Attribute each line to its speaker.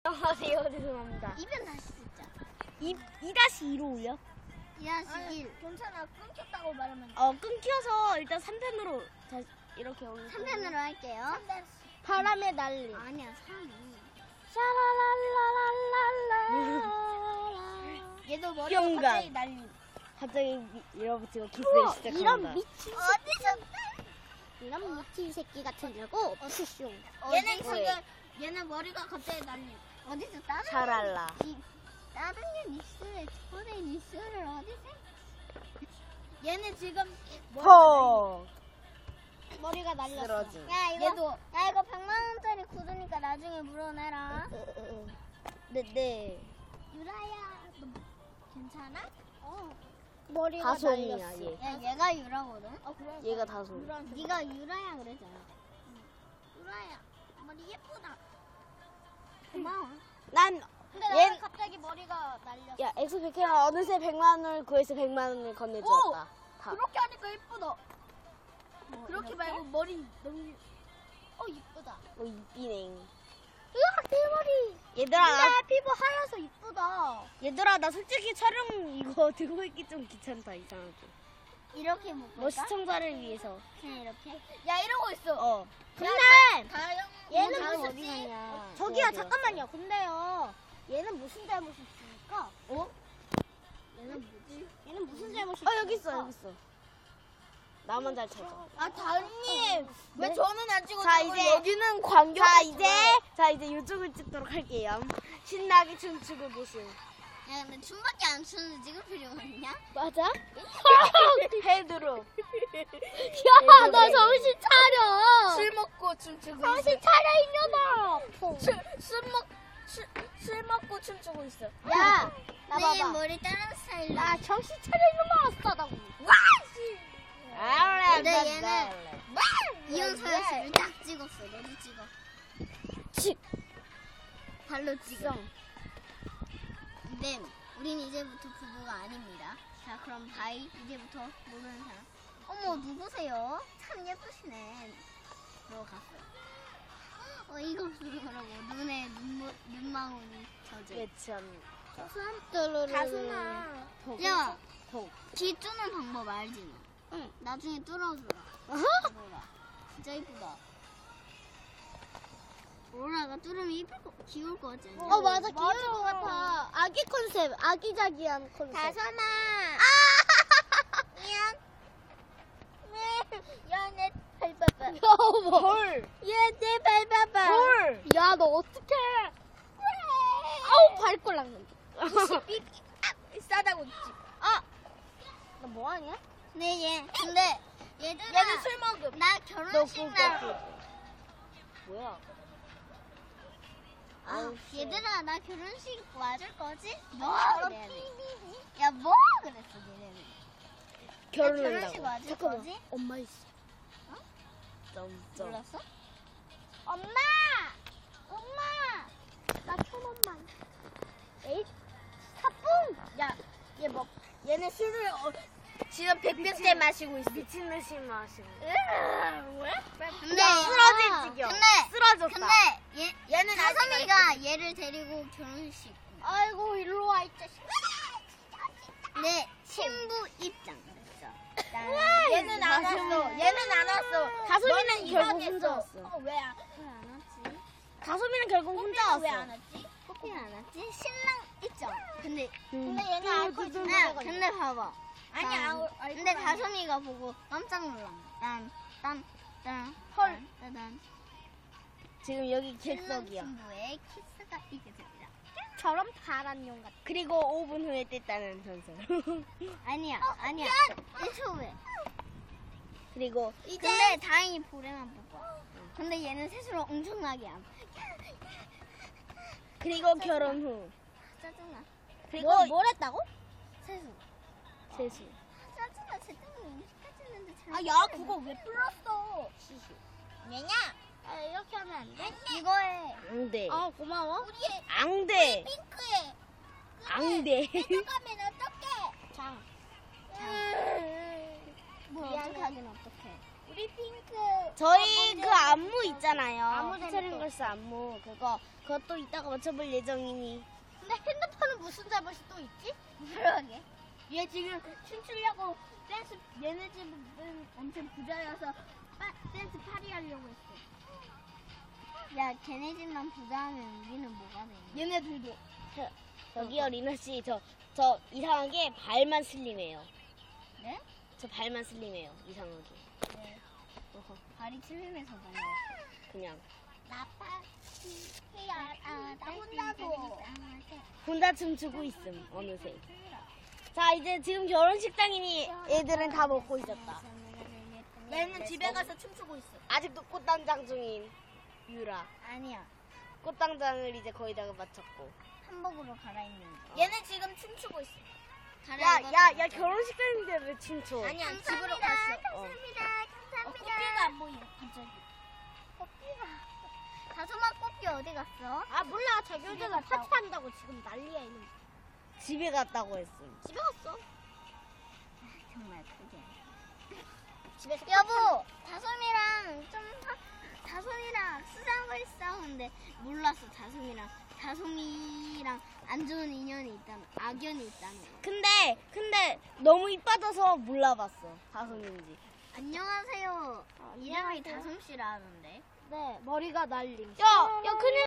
Speaker 1: 안녕하세요. 죄송합니다.
Speaker 2: 2편 다시 듣자.
Speaker 1: 2-2로 올려?
Speaker 2: 2-1.
Speaker 3: 괜찮아. 끊겼다고 말하면 돼.
Speaker 1: 끊겨서 일단 3편으로 다시 이렇게 올려.
Speaker 2: 3편으로 할게요.
Speaker 1: 바람의 날림.
Speaker 2: 아니야, 3.
Speaker 1: 샤라랄라랄라.
Speaker 3: 얘도 머리가
Speaker 1: 영감.
Speaker 3: 갑자기 날림.
Speaker 1: 갑자기 밀어붙이고 키스를 시작한다.
Speaker 2: 이런 미친
Speaker 3: 어디서?
Speaker 2: 이런 미친 새끼 같은 냐고 푸쇼.
Speaker 3: 얘는 지금 얘는 머리가 갑자기 날림.
Speaker 2: 어디서 다른
Speaker 1: 샤랄라.
Speaker 2: 다른 게 니스를 저의 니스를 어디서?
Speaker 3: 얘는 지금
Speaker 1: 펑.
Speaker 3: 머리가 날렸어.
Speaker 1: 쓰러짐.
Speaker 2: 야 이거
Speaker 3: 얘도
Speaker 2: 야 이거 100만 원짜리 굳으니까 나중에 물어내라.
Speaker 1: 네.
Speaker 2: 유라야, 너 괜찮아?
Speaker 3: 머리가
Speaker 1: 다솜이야
Speaker 3: 날렸어.
Speaker 1: 얘.
Speaker 2: 야 얘가 유라거든.
Speaker 3: 그래.
Speaker 1: 얘가 다솜.
Speaker 2: 네가 유라야 그랬잖아. 유라야, 머리 예쁘다. 고마워.
Speaker 1: 난
Speaker 3: 근데
Speaker 1: 얘-
Speaker 3: 나는 갑자기 머리가 날렸어.
Speaker 1: 야, 엑스페크가 어느새 100만 원을 구해서 100만 원을 건네주었다. 다.
Speaker 3: 그렇게 하니까 예쁘다. 그렇게 말고 머리 너무 이쁘다.
Speaker 1: 이쁘네.
Speaker 2: 으악 내 머리.
Speaker 1: 얘들아,
Speaker 2: 피부 하얘서 이쁘다.
Speaker 1: 얘들아, 나 솔직히 촬영 이거 들고 있기 좀 귀찮다, 이상하게.
Speaker 2: 이렇게 묶을까?
Speaker 1: 뭐 시청자를 위해서.
Speaker 2: 그냥 이렇게.
Speaker 3: 야 이러고 있어.
Speaker 2: 근데
Speaker 3: 다영
Speaker 2: 얘는
Speaker 3: 다영
Speaker 2: 무슨
Speaker 3: 어디 가냐?
Speaker 2: 저기요
Speaker 1: 어디요?
Speaker 2: 잠깐만요. 근데요. 얘는 무슨 잘못이 있습니까?
Speaker 3: 얘는 뭐지?
Speaker 2: 얘는 무슨 잘못이
Speaker 1: 여기 있어, 여기 있어. 나만 잘 찾아.
Speaker 3: 아 다영님 왜
Speaker 1: 네?
Speaker 3: 저는 안 찍어주고
Speaker 1: 자, 이제
Speaker 3: 여기는 광경.
Speaker 1: 자, 이제 이쪽을 찍도록 할게요. 신나게 춤추고 계신.
Speaker 2: 야 근데 춤밖에 안 추는데 찍을 필요가 있냐?
Speaker 1: 맞아? 헤드로.
Speaker 2: 야 너 정신 차려.
Speaker 3: 술 먹고 춤추고
Speaker 2: 정신 차려 이년아.
Speaker 3: 술 먹고 춤추고 있어.
Speaker 2: 야,
Speaker 3: 나
Speaker 2: 내
Speaker 3: 봐봐.
Speaker 2: 머리 다른 스타일로.
Speaker 3: 아,
Speaker 2: 나 정신 차려 이놈아 싸다고. 근데 얘는 이현서였을 딱 찍었어. 너도 찍어. 발로 찍어. 근데 우린 이제부터 부부가 아닙니다. 자 그럼 바이 이제부터 모르는 사람. 어머 누구세요? 참 예쁘시네. 너 갔어. 이거 그러고 눈에 눈망울이 젖어.
Speaker 1: 예참.
Speaker 2: 가수나. 야, 귀 뚫는 방법 알지 너? 응. 나중에 뚫어주라. 오로라. 진짜 이쁘다. 오로라가 뚫으면 귀여울 것 같지 않냐?
Speaker 3: 맞아, 귀여울 것 같아.
Speaker 2: 아기 컨셉, 아기자기한 컨셉.
Speaker 3: 다솜아.
Speaker 2: 미안.
Speaker 3: 야, 내 밟아봐.
Speaker 1: 헐.
Speaker 2: 얘내 밟아봐.
Speaker 1: 헐.
Speaker 2: 야, 너 어떡해. 아우, 밟고 랑는데.
Speaker 3: 싸다고 있지.
Speaker 2: 너 뭐하냐? 네, 근데 얘들아.
Speaker 3: 얘는 술 먹음.
Speaker 2: 나 결혼식 날.
Speaker 1: 뭐야?
Speaker 2: 얘들아, 나 결혼식 와줄 거지? 뭐? 야, 뭐? 그랬어, 얘네는. 결혼식 와줄 거지?
Speaker 1: 엄마 있어. 점점.
Speaker 2: 몰랐어? 엄마! 나 1,000원만. 에잇, 사뿐!
Speaker 3: 야, 얘는 술을 지금 100병째 마시고 있어.
Speaker 1: 미친 듯이 마시고.
Speaker 2: 근데
Speaker 1: 쓰러질 지경. 쓰러졌다.
Speaker 2: 근데
Speaker 3: 얘는
Speaker 2: 다솜이가 얘를 데리고 결혼식.
Speaker 3: 아이고, 일로 와, 이 자식.
Speaker 2: 네, 신부 입장.
Speaker 3: 얘는 안 왔어. 얘는 안 왔어.
Speaker 1: 다솜이는
Speaker 3: 너는
Speaker 1: 결국
Speaker 3: 이상했어.
Speaker 1: 혼자 왔어.
Speaker 3: 왜 안
Speaker 2: 왔지?
Speaker 1: 다솜이는 결국 혼자 왔어.
Speaker 3: 왜 안 왔지?
Speaker 2: 커피는 안 왔지? 신랑 입장. 근데
Speaker 3: 얘는 알코올 좀
Speaker 2: 야, 근데 봐봐.
Speaker 3: 아니야,
Speaker 2: 근데 다솜이가 보고 깜짝 놀란 거야.
Speaker 3: 헐.
Speaker 2: 딴.
Speaker 1: 지금 여기
Speaker 2: 신랑
Speaker 1: 객석이야.
Speaker 2: 신부의 키스가 이게 됩니다.
Speaker 3: 저런 파란 용 같아.
Speaker 1: 그리고 5분 후에 뗐다는 전설.
Speaker 2: 아니야. 1초 후에.
Speaker 1: 그리고
Speaker 2: 근데 다행히 볼에만 보고. 근데 얘는 세수를 엄청나게 안.
Speaker 1: 그리고 결혼 후.
Speaker 2: 짜증나.
Speaker 1: 그리고
Speaker 3: 뭘 했다고?
Speaker 2: 세수.
Speaker 1: 세수.
Speaker 2: 짜증나. 쟤 때문에 음식까지 했는데 잘.
Speaker 3: 아, 야, 그거 왜 불렀어?
Speaker 2: 왜냐?
Speaker 3: 이렇게 하면 안 돼?
Speaker 2: 이거에.
Speaker 1: 앙대.
Speaker 3: 고마워. 우리
Speaker 1: 앙대.
Speaker 3: 핑크에
Speaker 1: 앙대.
Speaker 3: 가면 어떡해?
Speaker 2: 장. 뭘
Speaker 3: 미안해.
Speaker 2: 어떻게 하긴 어떡해. 우리 핑크.
Speaker 1: 저희 그 안무 있잖아요.
Speaker 2: 안무
Speaker 1: 피처링걸스 안무. 그것도 이따가 맞춰볼 예정이니.
Speaker 3: 근데 핸드폰은 무슨 잘못이 또 있지?
Speaker 2: 그러게.
Speaker 3: 얘 지금 춤추려고 댄스, 얘네 집은 엄청 부자여서 댄스 파리 하려고 했어.
Speaker 2: 야, 걔네 집만 부자하면 우리는 뭐가 되냐?
Speaker 3: 얘네들도.
Speaker 1: 저기요, 리나씨. 저 이상하게 발만 슬림해요.
Speaker 2: 네?
Speaker 1: 저 발만 슬림해요. 이상하게.
Speaker 2: 네.
Speaker 1: 어허,
Speaker 2: 발이 칠림해서 뭔가.
Speaker 1: 그냥.
Speaker 2: 나 혼자도.
Speaker 1: 혼자 춤추고 있음, 어느새. 자, 이제 지금 결혼식장이니 애들은 다 먹고 있었다.
Speaker 3: 얘는 집에 가서 춤추고 있어.
Speaker 1: 아직도 꽃단장 중인 유라.
Speaker 2: 아니야.
Speaker 1: 꽃단장을 이제 거의 다 마쳤고.
Speaker 2: 한복으로 갈아입는 거.
Speaker 3: 얘는 지금 춤추고 있어.
Speaker 1: 야, 결혼식장인데 왜 춤춰?
Speaker 3: 아니야, 집으로 갔어.
Speaker 2: 감사합니다.
Speaker 3: 꽃게가 안 보여, 갑자기.
Speaker 2: 꽃피가. 다솜아 꽃피 어디 갔어?
Speaker 3: 아, 몰라. 자기 혼자서 파티한다고 지금 난리야, 이놈.
Speaker 1: 집에 갔다고 했음.
Speaker 3: 집에 갔어.
Speaker 2: 정말 크게.
Speaker 3: 집에서
Speaker 2: 여보, 다솜이랑 수상을 싸우는데 몰랐어. 다솜이랑 안 좋은 인연이 있다는, 악연이 있다는 거.
Speaker 1: 근데 너무 이빠져서 몰라봤어. 다솜인지.
Speaker 2: 안녕하세요. 이름이 다솜씨라는데.
Speaker 3: 네, 머리가 날림.
Speaker 1: 야, 큰일